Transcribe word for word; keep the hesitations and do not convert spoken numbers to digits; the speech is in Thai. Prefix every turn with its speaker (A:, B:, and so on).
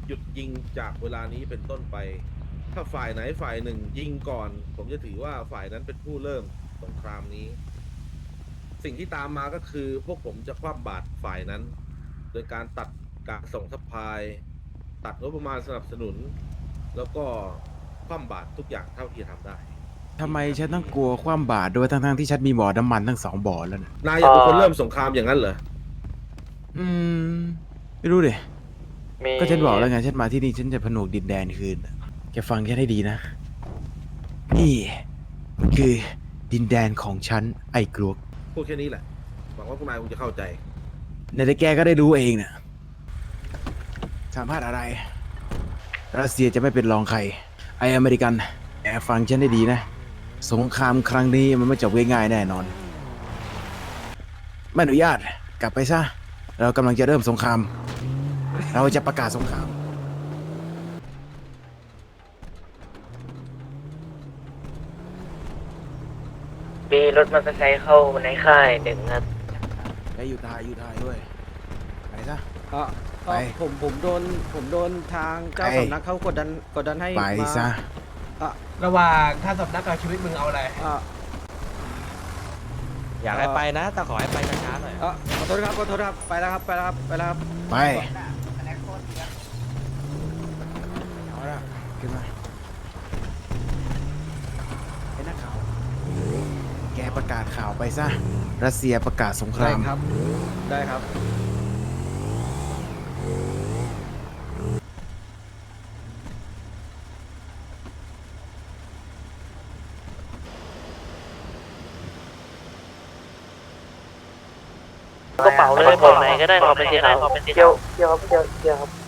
A: หยุดยิงจากเวลานี้เป็นต้นไปถ้าฝ่ายไหนฝ่ายหนึ่งยิงก่อนผมจะถือว่าฝ่ายนั้นเป็นผู้เริ่มสงครามนี้สิ่งที่ตามมาก็คือพวกผมจะคว่ำบาตรฝ่ายนั้นโดยการตัดการส่งซัพพลายตัดงบประมาณสนับสนุนแล้วก็คว่ำบาตรทุกอย่างเท่าที่จะทำได้
B: ทำไมฉันต้องกลัวความบาดด้วยทั้งๆที่ฉันมีบ่อน้ำมันทั้งสองบ่อแล้วนะ
A: นายอยากเป็นคนเริ่มสงครามอย่างนั้นเหรอ
B: อืมไม่รู้ดิ
C: มี
B: ก็ฉันบอกแล้วไงฉันมาที่นี่ฉันจะผนวกดินแดนคืนแกฟังแค่ให้ดีนะนี่มันคือดินแดนของฉันไอ้กลวก
A: พูดแค่นี้แหละหวังว่าพวกนายคงจะเข้าใจ
B: ในแต่แกก็ได้รู้เองนะสามารถอะไรรัสเซียจะไม่เป็นรองใครไออเมริกันแอบฟังฉันได้ดีนะสงครามครั้งนี้มันไม่จบง่ายๆแน่นอนไม่อนุญาตกลับไปซะเรากำลังจะเริ่มสงครามเราจะประกาศสงคราม
C: มีรถมอเตอร์ไซค์เข้าในค่ายหนึ่งนัด
B: ไปอยู่ทายอยู่ทายด้วยไปซะ
D: เออ
B: ไป
D: ผมผมโดนผมโดนทางเจ้า
B: ไป
D: สำนักเขากดดันกดดันให้
B: ไป
D: มา
B: ซะ
D: อ่ะ
E: ระหว่างท่านสำนักกับชีวิตมึงเอาอะไร
D: อ่ะ
F: อยากให้ไปนะแต่ขอให้ไปช้าๆหน่อย
D: อ่ะขอโทษครับขอโทษครับไปแล้วครับไปแล้วครับไปแล้วครับ
B: ไปเอาละขึ้นมาไอ้นักข่าวแกประกาศข่าวไปซะรัสเซียประกาศสงค
D: ได้
B: ราม
D: ครับได้ครับ
C: กระเป๋าเลยบอกไหนก็ได้ขอเป็นสีขาวเกี่ยวเกี่ยวครับเกี่ยวเกี่ยวครับ